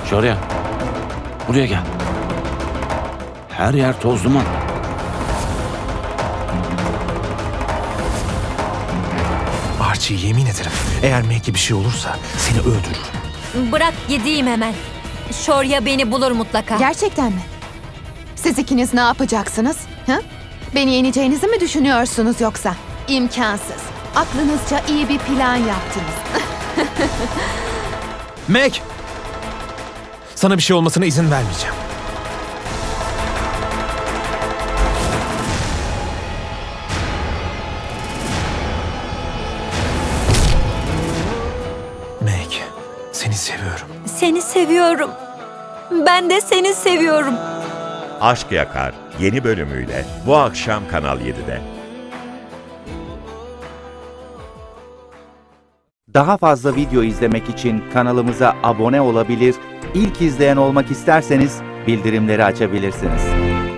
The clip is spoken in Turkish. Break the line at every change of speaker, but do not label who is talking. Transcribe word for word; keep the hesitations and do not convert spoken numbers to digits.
Şorya, buraya gel. Her yer toz duman.
Archie, yemin ederim eğer Meg'e bir şey olursa seni öldürürüm.
Bırak gideyim hemen. Şorya beni bulur mutlaka.
Gerçekten mi? Siz ikiniz ne yapacaksınız? Ha? Beni yeneceğinizi mi düşünüyorsunuz yoksa? İmkansız. Aklınızca iyi bir plan yaptınız.
Meg! Sana bir şey olmasına izin vermeyeceğim. Meg, seni seviyorum.
Seni seviyorum. Ben de seni seviyorum.
Aşk Yakar yeni bölümüyle bu akşam Kanal yedide.
Daha fazla video izlemek için kanalımıza abone olabilir, ilk izleyen olmak isterseniz bildirimleri açabilirsiniz.